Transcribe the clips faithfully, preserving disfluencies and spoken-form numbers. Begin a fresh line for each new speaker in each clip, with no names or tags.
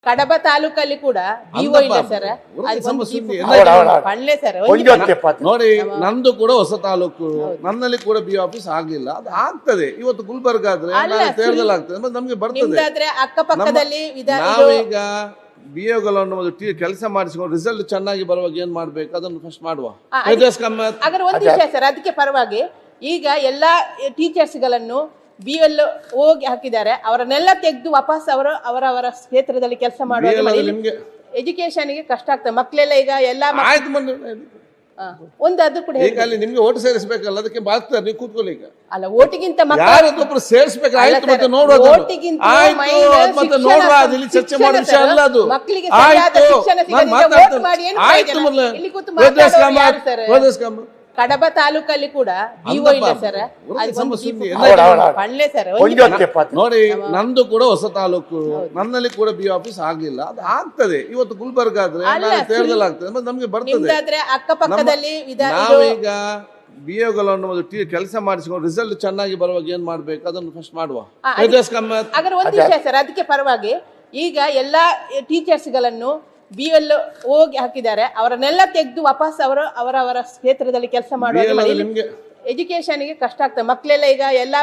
ಕಡಬ ತಾಲೂಕಲ್ಲಿ ಕೂಡ ಡಿಒ ಇಲ್ಲ ಸರ್, ಪಳ್ಳೆ ಸರ್.
ನೋಡಿ, ನಂದು ಕೂಡ ಹೊಸ ತಾಲೂಕು, ನನ್ನಲ್ಲಿ ಕೂಡ ಬಿ ಆಫೀಸ್ ಆಗ್ಲಿಲ್ಲ. ಅದು ಆಗ್ತದೆ ಇವತ್ತು ಗುಲ್ಬರ್ಗ ಆದ್ರೆ ತೇರದಲ್ಲಿ ಆಗ್ತದೆ, ಮತ್ತೆ ನಮ್ಗೆ ಬರ್ತದೆ.
ಅಕ್ಕಪಕ್ಕದಲ್ಲಿ
ನಾವೀಗ ಬಿ ಎಗಳನ್ನು ಕೆಲಸ ಮಾಡಿಸ್ಕೊಂಡು ರಿಸಲ್ಟ್ ಚೆನ್ನಾಗಿ ಬರುವಾಗ ಏನ್ ಮಾಡ್ಬೇಕು ಅದನ್ನು ಫಸ್ಟ್ ಮಾಡುವ.
ಅದ್ರ ಒಂದು ವಿಷಯ ಸರ್, ಅದಕ್ಕೆ ಪರವಾಗಿ ಈಗ ಎಲ್ಲಾ ಟೀಚರ್ಸ್ ಗಳನ್ನು ಬಿ ಎಲ್ ಹೋಗಿ ಹಾಕಿದ್ದಾರೆ, ಅವರನ್ನೆಲ್ಲ ತೆಗೆದು ವಾಪಸ್ ಅವರು ಅವರವರ ಕ್ಷೇತ್ರದಲ್ಲಿ ಕೆಲಸ ಮಾಡುವ. ಎಜುಕೇಶನ್ಗೆ ಕಷ್ಟ ಆಗ್ತದೆ, ಮಕ್ಕಳೆಲ್ಲ ಈಗ ಎಲ್ಲ ಒಂದು ಅದು ಕೂಡ
ಈಗ ಅಲ್ಲಿ ನಿಮ್ಗೆ ಓಟ್ ಸೇರಿಸಬೇಕಲ್ಲ, ಅದಕ್ಕೆ ಬಾಳ್ತಾರೆ, ನೀವು ಕೂತ್ಕೊಳ್ಳಿ. ಈಗ
ಅಲ್ಲ, ಓಟಿಗಿಂತ
ಯಾರೊಬ್ಬರು ಸೇರಿಸಬೇಕು, ಆಯ್ತು, ಮತ್ತೆ ನೋಡುವ ಮತ್ತೆ ನೋಡುವ, ಅಲ್ಲಿ ಚರ್ಚೆ ಮಾಡೋ ವಿಷಯ ಅಲ್ಲ ಅದು.
ಮಕ್ಕಳಿಗೆ ಕಡಬ ತಾಲೂಕಲ್ಲಿ ಕೂಡ ಡಿಒ ಇಲ್ಲ ಸರ್, ಪಳ್ಳೆ ಸರ್.
ನೋಡಿ, ನಂದು ಕೂಡ ಹೊಸ ತಾಲೂಕು, ನನ್ನಲ್ಲಿ ಕೂಡ ಬಿ ಆಫೀಸ್ ಆಗ್ಲಿಲ್ಲ. ಅದು ಆಗ್ತದೆ ಇವತ್ತು ಗುಲ್ಬರ್ಗ ಆದ್ರೆ ತೇರದಲ್ಲಿ ಆಗ್ತದೆ, ಮತ್ತೆ ನಮ್ಗೆ ಬರ್ತದೆ.
ಅಕ್ಕಪಕ್ಕದಲ್ಲಿ
ನಾವೀಗ ಬಿ ಎಗಳನ್ನು ಕೆಲಸ ಮಾಡಿಸ್ಕೊಂಡು ರಿಸಲ್ಟ್ ಚೆನ್ನಾಗಿ ಬರುವಾಗ ಏನ್ ಮಾಡ್ಬೇಕು ಅದನ್ನು ಫಸ್ಟ್ ಮಾಡುವ.
ಅದ್ರ ಒಂದು ವಿಷಯ ಸರ್, ಅದಕ್ಕೆ ಪರವಾಗಿ ಈಗ ಎಲ್ಲಾ ಟೀಚರ್ಸ್ ಗಳನ್ನು ಬಿ ಎಲ್ ಹೋಗಿ ಹಾಕಿದ್ದಾರೆ, ಅವರನ್ನೆಲ್ಲ ತೆಗೆದು ವಾಪಸ್ ಅವರು ಅವರವರ ಕ್ಷೇತ್ರದಲ್ಲಿ ಕೆಲಸ ಮಾಡುವ. ಎಜುಕೇಶನ್ಗೆ ಕಷ್ಟ ಆಗ್ತದೆ, ಮಕ್ಕಳೆಲ್ಲ ಈಗ ಎಲ್ಲ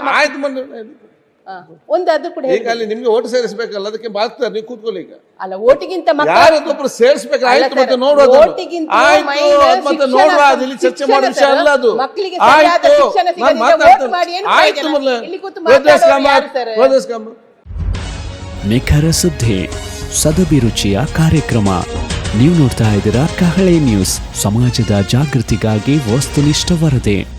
ಒಂದು ಅದು ಕೂಡ
ಈಗ ಅಲ್ಲಿ ನಿಮ್ಗೆ ಓಟ್ ಸೇರಿಸಬೇಕಲ್ಲ, ಅದಕ್ಕೆ ಬಾಳ್ತಾರೆ, ನೀವು ಕೂತ್ಕೊಳ್ಳಿ. ಈಗ
ಅಲ್ಲ, ಓಟಿಗಿಂತ
ಯಾರೊಬ್ಬರು ಸೇರಿಸಬೇಕು, ಆಯ್ತು, ಮತ್ತೆ ನೋಡುವ, ಮತ್ತೆ ನೋಡುವ, ಅಲ್ಲಿ ಚರ್ಚೆ ಮಾಡೋ ವಿಷಯ ಅಲ್ಲ ಅದು.
ಮಕ್ಕಳಿಗೆ
ನಿಖರ ಸುದ್ದಿ, ಸದಭಿರುಚಿಯ ಕಾರ್ಯಕ್ರಮ. ನೀವು ನೋಡ್ತಾ ಇದ್ದೀರಾ ಕಹಳೆ ನ್ಯೂಸ್, ಸಮಾಜದ ಜಾಗೃತಿಗಾಗಿ ವಸ್ತುನಿಷ್ಠ ವರದಿ.